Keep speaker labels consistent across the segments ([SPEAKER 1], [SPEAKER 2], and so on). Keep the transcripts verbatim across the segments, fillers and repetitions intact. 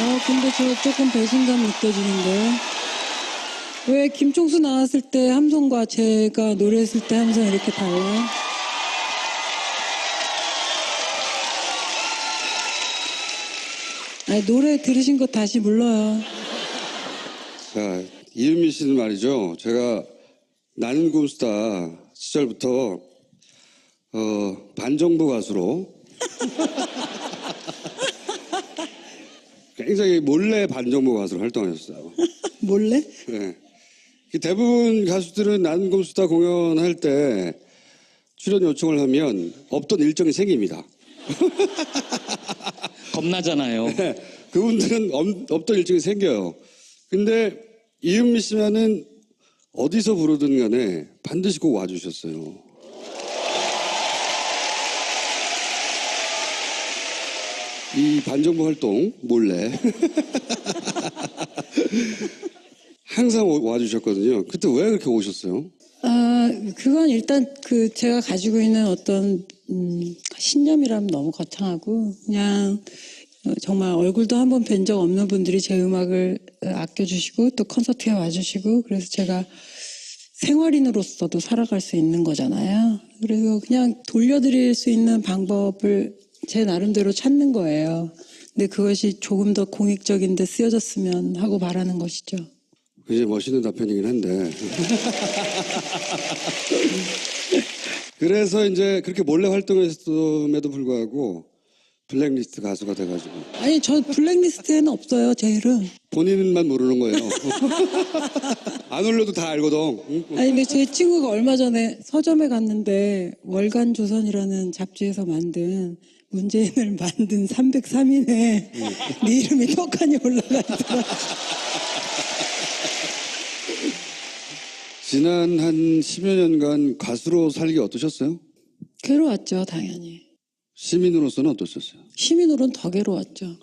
[SPEAKER 1] 아, 근데 저 조금 배신감 느껴지는데. 왜 김종수 나왔을 때 함성과 제가 노래했을 때 함성 이렇게 달라요? 아니, 노래 들으신 거 다시 불러요.
[SPEAKER 2] 자, 이은미 씨는 말이죠. 제가 나는 곰스타 시절부터 어, 반정부 가수로 굉장히 몰래 반정부 가수로 활동하셨어요.
[SPEAKER 1] 몰래?
[SPEAKER 2] 네. 대부분 가수들은 나는 곰스타 공연할 때 출연 요청을 하면 없던 일정이 생깁니다.
[SPEAKER 3] 겁나잖아요.
[SPEAKER 2] 네, 그분들은 없, 없던 일정이 생겨요. 근데 이은미 씨만은 어디서 부르든 간에 반드시 꼭 와주셨어요. 이 반정부 활동 몰래 항상 와주셨거든요. 그때 왜 그렇게 오셨어요?
[SPEAKER 1] 아, 그건 일단 그 제가 가지고 있는 어떤 음, 신념이라면 너무 거창하고 그냥 정말 얼굴도 한 번 뵌 적 없는 분들이 제 음악을 아껴주시고 또 콘서트에 와주시고 그래서 제가 생활인으로서도 살아갈 수 있는 거잖아요. 그래서 그냥 돌려드릴 수 있는 방법을 제 나름대로 찾는 거예요. 근데 그것이 조금 더 공익적인데 쓰여졌으면 하고 바라는 것이죠.
[SPEAKER 2] 굉장히 멋있는 답변이긴 한데. 그래서 이제 그렇게 몰래 활동했음에도 불구하고 블랙리스트 가수가 돼가지고.
[SPEAKER 1] 아니, 저 블랙리스트에는 없어요, 제 이름.
[SPEAKER 2] 본인만 모르는 거예요. 안 올려도 다 알거든. 응?
[SPEAKER 1] 아니, 근데 제 친구가 얼마 전에 서점에 갔는데 월간 조선이라는 잡지에서 만든 문재인을 만든 삼백삼 인에 응. 네 이름이 떡하니 올라가 있더라.
[SPEAKER 2] 지난 한 십여 년간 가수로 살기 어떠셨어요?
[SPEAKER 1] 괴로웠죠, 당연히.
[SPEAKER 2] 시민으로서는 어떠셨어요?
[SPEAKER 1] 시민으로는 더 괴로웠죠.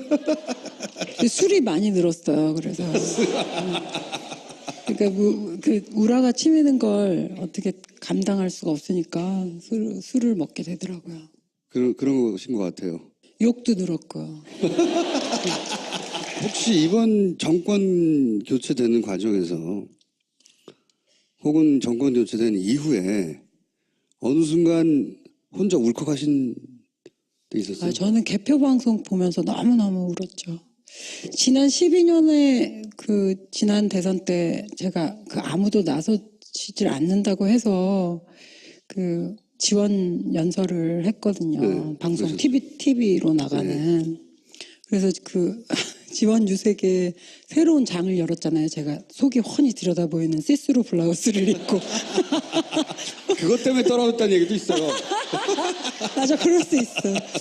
[SPEAKER 1] 술이 많이 늘었어요, 그래서. 그러니까 뭐, 그 우라가 치미는 걸 어떻게 감당할 수가 없으니까 술, 술을 먹게 되더라고요.
[SPEAKER 2] 그런, 그런 것인 것 같아요.
[SPEAKER 1] 욕도 늘었고.
[SPEAKER 2] 혹시 이번 정권 교체되는 과정에서 혹은 정권 교체된 이후에 어느 순간 혼자 울컥하신 때 있었어요?
[SPEAKER 1] 아, 저는 개표 방송 보면서 너무너무 울었죠. 지난 십이 년에 그 지난 대선 때 제가 그 아무도 나서지질 않는다고 해서 그 지원 연설을 했거든요.
[SPEAKER 2] 네,
[SPEAKER 1] 방송
[SPEAKER 2] 그러셨죠.
[SPEAKER 1] 티비 티비로 나가는. 네. 그래서 그 지원 유색에 새로운 장을 열었잖아요. 제가 속이 훤히 들여다 보이는 시스루 블라우스를 입고.
[SPEAKER 2] 그것 때문에 떨어졌다는 얘기도 있어요.
[SPEAKER 1] 맞아, 그럴 수 있어.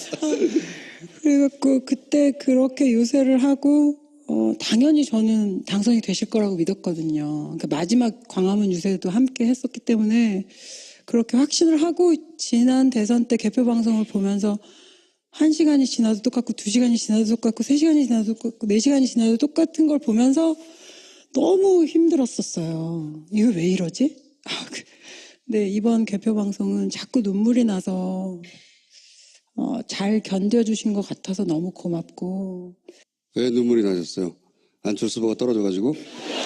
[SPEAKER 1] 그래갖고 그때 그렇게 요새를 하고 어, 당연히 저는 당선이 되실 거라고 믿었거든요. 그러니까 마지막 광화문 유세도 함께 했었기 때문에 그렇게 확신을 하고 지난 대선 때 개표 방송을 보면서 한 시간이 지나도 똑같고 두 시간이 지나도 똑같고 세 시간이 지나도 똑같고 네 시간이 지나도 똑같은 걸 보면서 너무 힘들었었어요. 이거 왜 이러지? 아, 그, 근데 이번 개표 방송은 자꾸 눈물이 나서 어, 잘 견뎌주신 것 같아서 너무 고맙고.
[SPEAKER 2] 왜 눈물이 나셨어요? 안철수 후보가 떨어져가지고?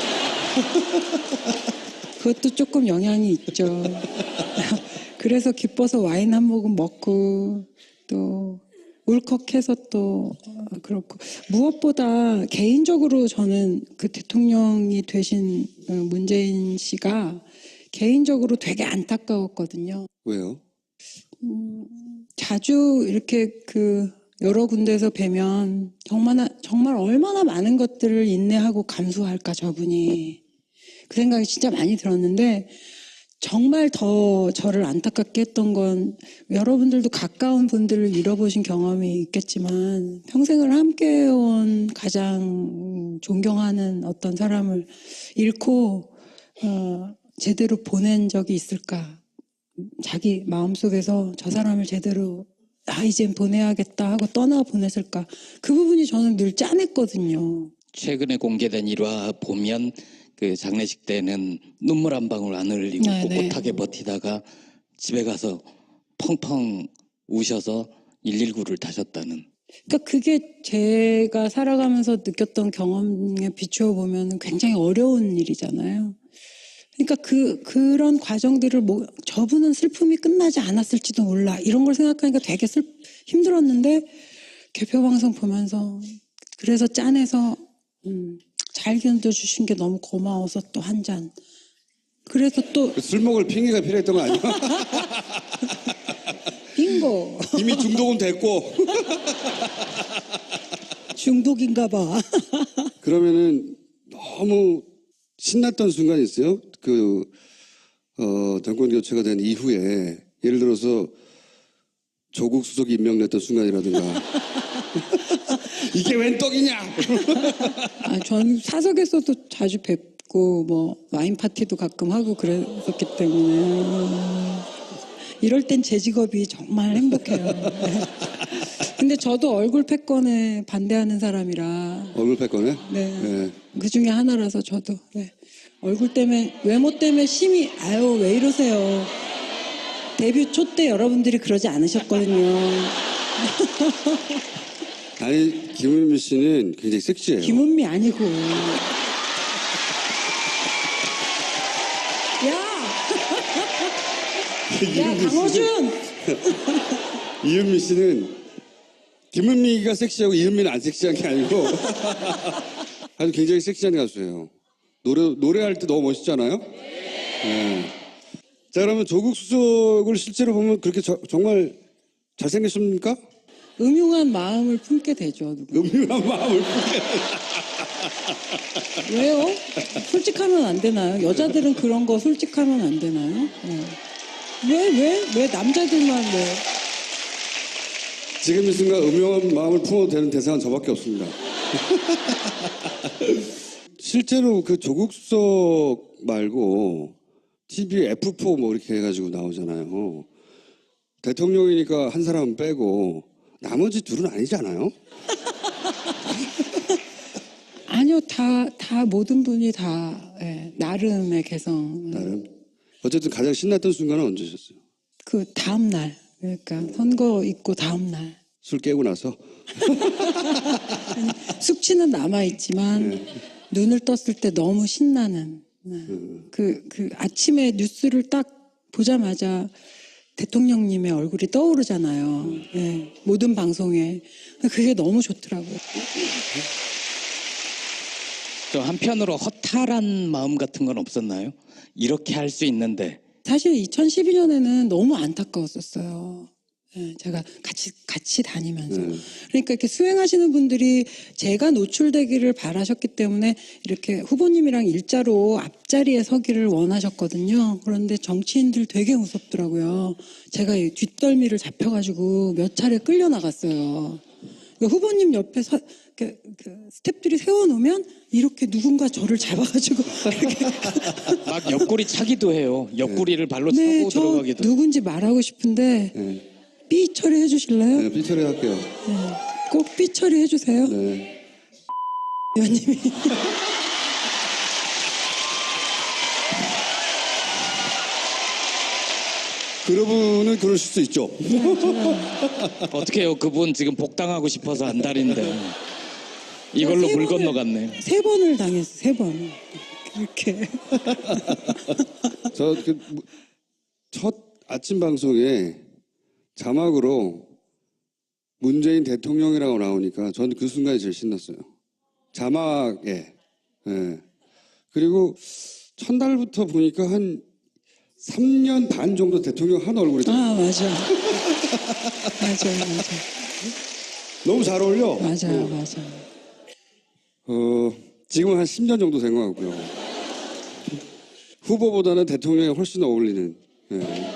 [SPEAKER 1] 그것도 조금 영향이 있죠. 그래서 기뻐서 와인 한 모금 먹고 또 울컥해서 또 그렇고 무엇보다 개인적으로 저는 그 대통령이 되신 문재인 씨가 개인적으로 되게 안타까웠거든요.
[SPEAKER 2] 왜요?
[SPEAKER 1] 음, 자주 이렇게 그 여러 군데에서 뵈면 정말 정말 얼마나 많은 것들을 인내하고 감수할까 저분이 그 생각이 진짜 많이 들었는데 정말 더 저를 안타깝게 했던 건 여러분들도 가까운 분들을 잃어보신 경험이 있겠지만 평생을 함께해온 가장 존경하는 어떤 사람을 잃고 어, 제대로 보낸 적이 있을까? 자기 마음속에서 저 사람을 제대로 아 이젠 보내야겠다 하고 떠나 보냈을까? 그 부분이 저는 늘 짠했거든요.
[SPEAKER 3] 최근에 공개된 일화 보면 그 장례식 때는 눈물 한 방울 안 흘리고
[SPEAKER 1] 네네.
[SPEAKER 3] 꿋꿋하게 버티다가 집에 가서 펑펑 우셔서 일일구를 타셨다는.
[SPEAKER 1] 그러니까 그게 제가 살아가면서 느꼈던 경험에 비추어 보면 굉장히 어려운 일이잖아요. 그러니까 그 그런 과정들을 뭐 저분은 슬픔이 끝나지 않았을지도 몰라 이런 걸 생각하니까 되게 슬 힘들었는데 개표 방송 보면서 그래서 짠해서 음, 잘 견뎌주신 게 너무 고마워서 또 한 잔. 그래서 또
[SPEAKER 2] 술 먹을 핑계가 필요했던 거 아니야?
[SPEAKER 1] 빙고
[SPEAKER 2] 이미 중독은 됐고.
[SPEAKER 1] 중독인가 봐.
[SPEAKER 2] 그러면은 너무 신났던 순간이 있어요. 그, 어, 정권 교체가 된 이후에 예를 들어서 조국 수석이 임명됐던 순간이라든가. 이게 웬 떡이냐?
[SPEAKER 1] 아, 전 사석에서도 자주 뵙고 뭐 와인 파티도 가끔 하고 그랬었기 때문에 이럴 땐 제 직업이 정말 행복해요. 네. 근데 저도 얼굴 패권에 반대하는 사람이라
[SPEAKER 2] 얼굴 패권에?
[SPEAKER 1] 네.
[SPEAKER 2] 네.
[SPEAKER 1] 그 중에 하나라서 저도 네. 얼굴 때문에 외모 때문에 심히 아유 왜 이러세요. 데뷔 초 때 여러분들이 그러지 않으셨거든요.
[SPEAKER 2] 아니, 김은미 씨는 굉장히 섹시해요.
[SPEAKER 1] 김은미 아니고. 야! 야, 강호준!
[SPEAKER 2] 이은미 씨는 김은미가 섹시하고 이은미는 안 섹시한 게 아니고 아주 굉장히 섹시한 가수예요. 노래, 노래할 때 너무 멋있잖아요? 네. 자, 그러면 조국 수석을 실제로 보면 그렇게 저, 정말 잘생겼습니까?
[SPEAKER 1] 음흉한 마음을 품게 되죠. 누구.
[SPEAKER 2] 음흉한 마음을 품게.
[SPEAKER 1] 왜요? 솔직하면 안 되나요? 여자들은 그런 거 솔직하면 안 되나요? 네. 왜, 왜, 왜 남자들만 왜?
[SPEAKER 2] 지금 이 순간 음흉한 마음을 품어도 되는 대상은 저밖에 없습니다. 실제로 그 조국 수석 말고 티비에 에프 사 뭐 이렇게 해가지고 나오잖아요. 대통령이니까 한 사람은 빼고 나머지 둘은 아니잖아요.
[SPEAKER 1] 아니요, 다, 다, 모든 분이 다, 예, 나름의 개성.
[SPEAKER 2] 나름. 어쨌든 가장 신났던 순간은 언제셨어요?
[SPEAKER 1] 그 다음날. 그러니까 선거 있고 다음날.
[SPEAKER 2] 술 깨고 나서?
[SPEAKER 1] 숙취는 남아있지만
[SPEAKER 2] 네.
[SPEAKER 1] 눈을 떴을 때 너무 신나는. 네.
[SPEAKER 2] 음.
[SPEAKER 1] 그, 그 아침에 뉴스를 딱 보자마자 대통령님의 얼굴이 떠오르잖아요. 예, 모든 방송에. 그게 너무 좋더라고요.
[SPEAKER 3] 저 한편으로 허탈한 마음 같은 건 없었나요? 이렇게 할 수 있는데.
[SPEAKER 1] 사실 이천십이 년에는 너무 안타까웠었어요. 예, 제가 같이 같이 다니면서
[SPEAKER 2] 네.
[SPEAKER 1] 그러니까 이렇게 수행하시는 분들이 제가 노출되기를 바라셨기 때문에 이렇게 후보님이랑 일자로 앞자리에 서기를 원하셨거든요. 그런데 정치인들 되게 무섭더라고요. 제가 이 뒷덜미를 잡혀가지고 몇 차례 끌려 나갔어요. 그러니까 후보님 옆에 서, 그, 그 스태프들이 세워놓으면 이렇게 누군가 저를 잡아가지고 이렇게
[SPEAKER 3] 막 옆구리 차기도 해요. 옆구리를 발로
[SPEAKER 1] 네,
[SPEAKER 3] 차고
[SPEAKER 1] 저
[SPEAKER 3] 들어가기도.
[SPEAKER 1] 누군지 말하고 싶은데
[SPEAKER 2] 네.
[SPEAKER 1] 삐 처리해 주실래요?
[SPEAKER 2] 네, 삐처리 할게요.
[SPEAKER 1] 네. 꼭 삐 처리해 주세요.
[SPEAKER 2] 네.
[SPEAKER 1] 의원님이.
[SPEAKER 2] 그러분은 그러실 수 있죠.
[SPEAKER 3] 어떻게 해요? 그분 지금 복당하고 싶어서 안달인데. 이걸로
[SPEAKER 1] 세
[SPEAKER 3] 물
[SPEAKER 1] 번을-
[SPEAKER 3] 건너갔네.
[SPEAKER 1] 세 번을 당했어. 세 번. 이렇게.
[SPEAKER 2] 저 그 첫 아침 방송에 자막으로 문재인 대통령이라고 나오니까 저는 그 순간이 제일 신났어요. 자막에. 예. 그리고 첫날부터 보니까 한 삼 년 반 정도 대통령 한 얼굴이 돼요.
[SPEAKER 1] 아 맞아. 맞아요, 맞아.
[SPEAKER 2] 너무 잘 어울려.
[SPEAKER 1] 맞아요, 맞아.
[SPEAKER 2] 어, 지금은 한 십 년 정도 된 것 같고요. 후보보다는 대통령이 훨씬 어울리는. 예.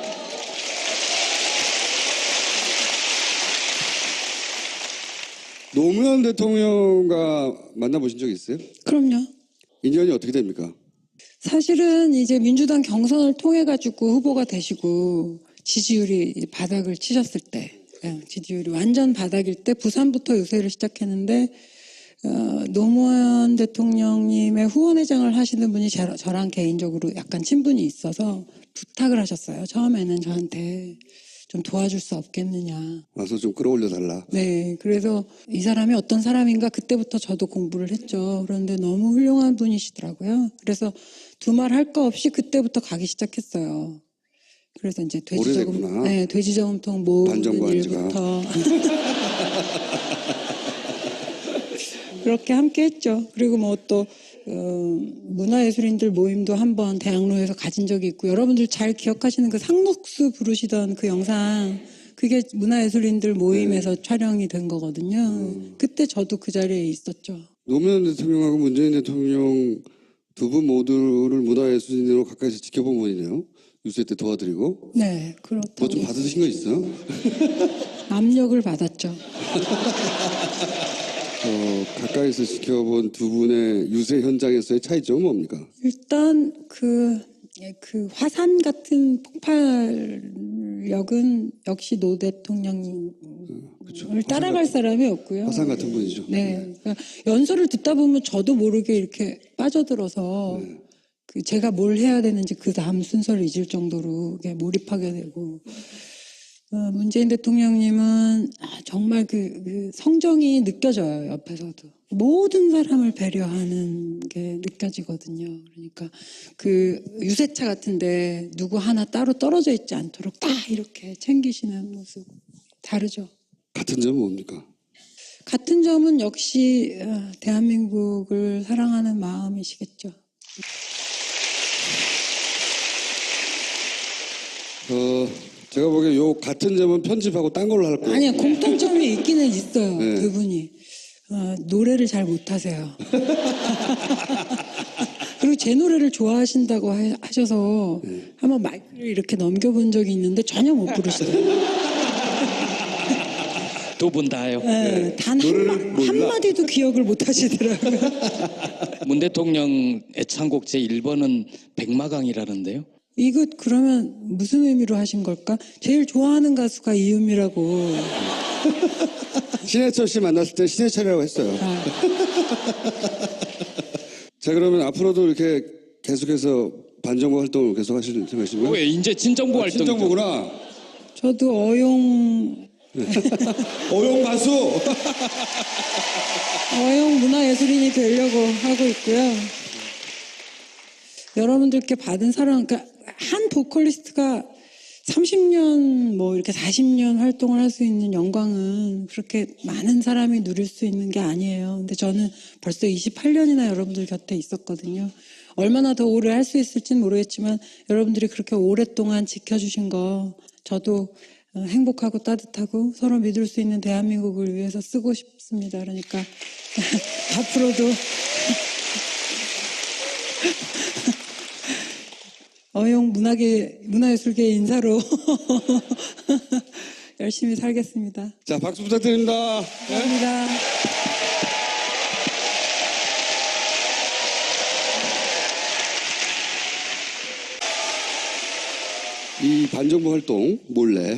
[SPEAKER 2] 노무현 대통령과 만나보신 적 있어요?
[SPEAKER 1] 그럼요.
[SPEAKER 2] 인연이 어떻게 됩니까?
[SPEAKER 1] 사실은 이제 민주당 경선을 통해 가지고 후보가 되시고 지지율이 바닥을 치셨을 때, 예, 지지율이 완전 바닥일 때 부산부터 유세를 시작했는데 어, 노무현 대통령님의 후원회장을 하시는 분이 저, 저랑 개인적으로 약간 친분이 있어서 부탁을 하셨어요. 처음에는 저한테 좀 도와줄 수 없겠느냐.
[SPEAKER 2] 와서 좀 끌어올려 달라.
[SPEAKER 1] 네, 그래서 이 사람이 어떤 사람인가 그때부터 저도 공부를 했죠. 그런데 너무 훌륭한 분이시더라고요. 그래서 두 말 할 거 없이 그때부터 가기 시작했어요. 그래서 이제 돼지저금,
[SPEAKER 2] 오래됐구나.
[SPEAKER 1] 네, 돼지저금통 모으는
[SPEAKER 2] 반정부
[SPEAKER 1] 일부터 그렇게 함께 했죠. 그리고 뭐 또 어, 문화예술인들 모임도 한번 대학로에서 가진 적이 있고, 여러분들 잘 기억하시는 그 상록수 부르시던 그 영상, 그게 문화예술인들 모임에서 촬영이 된 거거든요.
[SPEAKER 2] 음.
[SPEAKER 1] 그때 저도 그 자리에 있었죠.
[SPEAKER 2] 노무현 대통령하고 문재인 대통령 두 분 모두를 문화예술인으로 가까이서 지켜본 분이네요. 유세 때 도와드리고.
[SPEAKER 1] 네, 그렇다고.
[SPEAKER 2] 뭐 좀 받으신 거 있어요?
[SPEAKER 1] 압력을 받았죠.
[SPEAKER 2] 어, 가까이서 지켜본 두 분의 유세 현장에서의 차이점은 뭡니까?
[SPEAKER 1] 일단 그, 예, 그 화산 같은 폭발력은 역시 노 대통령을
[SPEAKER 2] 그쵸.
[SPEAKER 1] 따라갈 사람이 없고요.
[SPEAKER 2] 화산 같은 분이죠.
[SPEAKER 1] 네. 그러니까 연설을 듣다 보면 저도 모르게 이렇게 빠져들어서
[SPEAKER 2] 네.
[SPEAKER 1] 그 제가 뭘 해야 되는지 그 다음 순서를 잊을 정도로 이렇게 몰입하게 되고, 어, 문재인 대통령님은 아, 정말 그, 그 성정이 느껴져요. 옆에서도 모든 사람을 배려하는 게 느껴지거든요. 그러니까 그 유세차 같은데 누구 하나 따로 떨어져 있지 않도록 딱 이렇게 챙기시는 모습 다르죠.
[SPEAKER 2] 같은 점은 뭡니까?
[SPEAKER 1] 같은 점은 역시 어, 대한민국을 사랑하는 마음이시겠죠.
[SPEAKER 2] 어, 제가 보기에 요 같은 점은 편집하고 딴 걸로 할 거예요.
[SPEAKER 1] 아니요, 공통점이 있기는 있어요.
[SPEAKER 2] 네.
[SPEAKER 1] 두 분이 어, 노래를 잘 못하세요. 그리고 제 노래를 좋아하신다고 하- 하셔서
[SPEAKER 2] 네.
[SPEAKER 1] 한번 마이크를 이렇게 넘겨본 적이 있는데 전혀 못 부르시더라고요.
[SPEAKER 3] 두 분 다요.
[SPEAKER 1] 네, 단
[SPEAKER 2] 노래를
[SPEAKER 1] 한마,
[SPEAKER 2] 몰라.
[SPEAKER 1] 한마디도 기억을 못 하시더라고요.
[SPEAKER 3] 문 대통령 애창곡 제일 번은 백마강이라는데요.
[SPEAKER 1] 이거 그러면 무슨 의미로 하신 걸까? 제일 좋아하는 가수가 이은미라고.
[SPEAKER 2] 신해철 씨 만났을 때 신해철이라고 했어요.
[SPEAKER 1] 아,
[SPEAKER 2] 자, 그러면 앞으로도 이렇게 계속해서 반정부 활동을 계속 하실 생각이신가요?
[SPEAKER 3] 왜 이제 진정부 활동?
[SPEAKER 2] 친정부구나.
[SPEAKER 1] 저도 어용
[SPEAKER 2] 어용 가수.
[SPEAKER 1] 어용 문화예술인이 되려고 하고 있고요. 여러분들께 받은 사랑, 그러니까 한 보컬리스트가 삼십 년, 뭐 이렇게 사십 년 활동을 할 수 있는 영광은 그렇게 많은 사람이 누릴 수 있는 게 아니에요. 근데 저는 벌써 이십팔 년이나 여러분들 곁에 있었거든요. 얼마나 더 오래 할 수 있을지는 모르겠지만 여러분들이 그렇게 오랫동안 지켜주신 거 저도 행복하고 따뜻하고 서로 믿을 수 있는 대한민국을 위해서 쓰고 싶습니다. 그러니까 앞으로도 어용 문화계, 문화예술계 인사로 열심히 살겠습니다.
[SPEAKER 2] 자, 박수 부탁드립니다.
[SPEAKER 1] 감사합니다.
[SPEAKER 2] 이 반정부 활동 몰래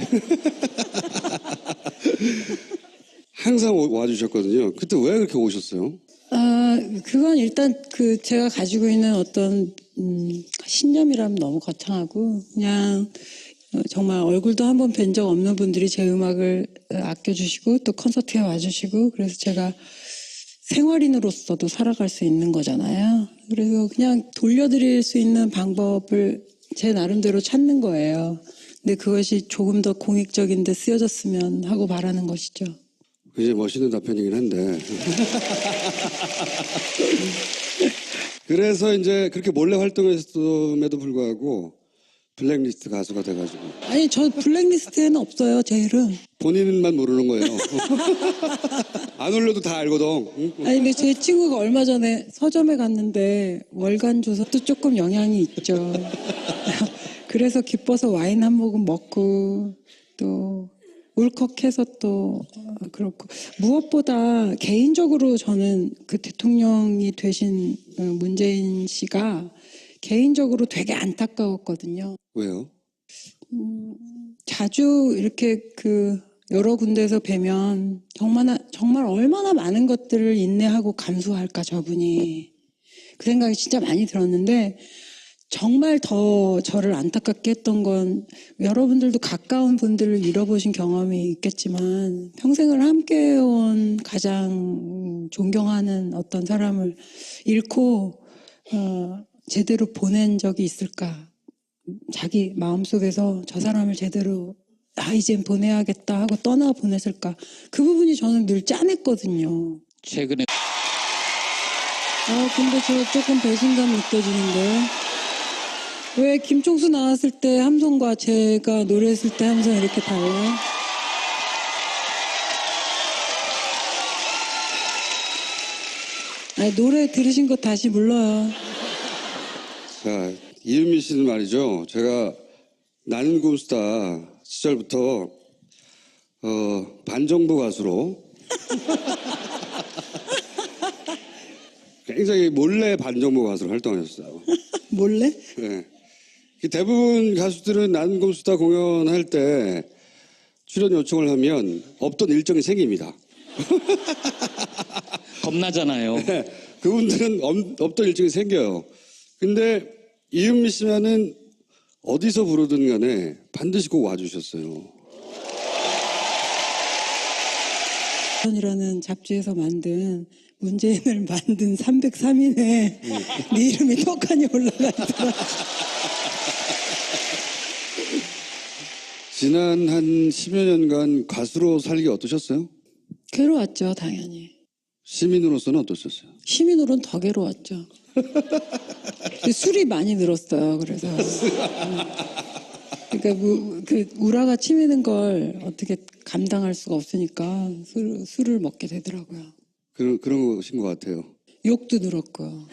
[SPEAKER 2] 항상 오- 와주셨거든요. 그때 왜 그렇게 오셨어요?
[SPEAKER 1] 아, 그건 일단 그 제가 가지고 있는 어떤 음, 신념이라면 너무 거창하고 그냥 어, 정말 얼굴도 한 번 뵌 적 없는 분들이 제 음악을 어, 아껴주시고 또 콘서트에 와주시고 그래서 제가 생활인으로서도 살아갈 수 있는 거잖아요. 그래서 그냥 돌려드릴 수 있는 방법을 제 나름대로 찾는 거예요. 근데 그것이 조금 더 공익적인 데 쓰여졌으면 하고 바라는 것이죠.
[SPEAKER 2] 굉장히 멋있는 답변이긴 한데. 그래서 이제 그렇게 몰래 활동했음에도 불구하고 블랙리스트 가수가 돼가지고
[SPEAKER 1] 아니, 저 블랙리스트에는 없어요, 제 이름.
[SPEAKER 2] 본인만 모르는 거예요. 안 올려도 다 알거든. 응?
[SPEAKER 1] 아니, 근데 제 친구가 얼마 전에 서점에 갔는데 월간 조사도 조금 영향이 있죠. 그래서 기뻐서 와인 한 모금 먹고 또 울컥해서 또 어, 그렇고 무엇보다 개인적으로 저는 그 대통령이 되신 어, 문재인 씨가 개인적으로 되게 안타까웠거든요.
[SPEAKER 2] 왜요?
[SPEAKER 1] 자주 이렇게 그 여러 군데에서 뵈면 정말 정말 얼마나 많은 것들을 인내하고 감수할까 저분이 그 생각이 진짜 많이 들었는데 정말 더 저를 안타깝게 했던 건 여러분들도 가까운 분들을 잃어보신 경험이 있겠지만 평생을 함께해온 가장 존경하는 어떤 사람을 잃고 어, 제대로 보낸 적이 있을까. 자기 마음속에서 저 사람을 제대로 아 이젠 보내야겠다 하고 떠나 보냈을까. 그 부분이 저는 늘 짠했거든요.
[SPEAKER 3] 최근에
[SPEAKER 1] 아 근데 저 조금 배신감 느껴지는데 왜 김총수 나왔을 때 함성과 제가 노래했을 때 함성 이렇게 달라요? 아니, 노래 들으신 거 다시 불러요.
[SPEAKER 2] 자, 이은미 씨는 말이죠. 제가 나는 곰스타 시절부터 어, 반정부 가수로 굉장히 몰래 반정부 가수로 활동하셨어요.
[SPEAKER 1] 몰래?
[SPEAKER 2] 네. 대부분 가수들은 나는 곰스타 공연할 때 출연 요청을 하면 없던 일정이 생깁니다.
[SPEAKER 3] 겁나잖아요.
[SPEAKER 2] 네, 그분들은 없, 없던 일정이 생겨요. 근데 이은미 씨만은 어디서 부르든 간에 반드시 꼭 와주셨어요.
[SPEAKER 1] 이라는 잡지에서 만든 문재인을 만든 삼백삼 인에 네 이름이 떡하니 올라가 있더라.
[SPEAKER 2] 지난 한 십여 년간 가수로 살기 어떠셨어요?
[SPEAKER 1] 괴로웠죠, 당연히.
[SPEAKER 2] 시민으로서는 어떠셨어요?
[SPEAKER 1] 시민으로는 더 괴로웠죠. 술이 많이 늘었어요. 그래서 그러니까 뭐, 그 우라가 치미는 걸 어떻게 감당할 수가 없으니까 술, 술을 먹게 되더라고요.
[SPEAKER 2] 그런 그런 것인 것 같아요.
[SPEAKER 1] 욕도 늘었고요.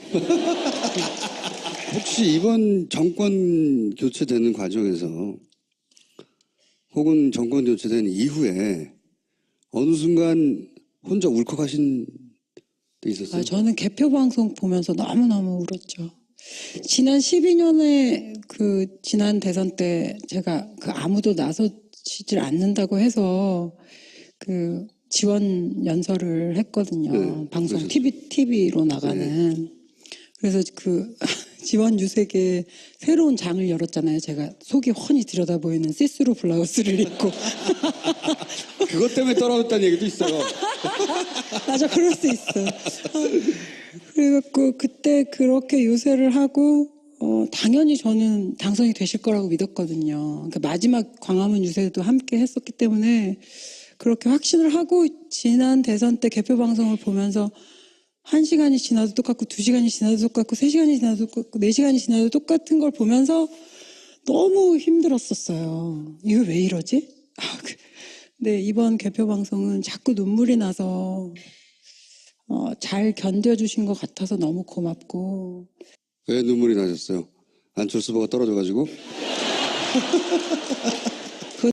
[SPEAKER 2] 혹시 이번 정권 교체되는 과정에서 혹은 정권 교체된 이후에 어느 순간 혼자 울컥하신 때 있었어요?
[SPEAKER 1] 아, 저는 개표 방송 보면서 너무너무 울었죠. 지난 십이 년에 그 지난 대선 때 제가 그 아무도 나서지질 않는다고 해서 그 지원 연설을 했거든요.
[SPEAKER 2] 네,
[SPEAKER 1] 방송
[SPEAKER 2] 그러셨죠.
[SPEAKER 1] 티비 티비로 나가는.
[SPEAKER 2] 네.
[SPEAKER 1] 그래서 그 지원 유색에 새로운 장을 열었잖아요. 제가 속이 훤히 들여다 보이는 시스루 블라우스를 입고.
[SPEAKER 2] 그것 때문에 떨어졌다는 얘기도 있어요.
[SPEAKER 1] 맞아, 그럴 수 있어. 그래갖고 그때 그렇게 유세를 하고 어, 당연히 저는 당선이 되실 거라고 믿었거든요. 그러니까 마지막 광화문 유세도 함께 했었기 때문에 그렇게 확신을 하고 지난 대선 때 개표 방송을 보면서 한 시간이 지나도 똑같고 두 시간이 지나도 똑같고 세 시간이 지나도 똑같고 네 시간이 지나도 똑같은 걸 보면서 너무 힘들었었어요. 이거 왜 이러지? 아, 그, 네, 이번 개표 방송은 자꾸 눈물이 나서 어, 잘 견뎌주신 것 같아서 너무 고맙고.
[SPEAKER 2] 왜 눈물이 나셨어요? 안철수 후보가 떨어져가지고?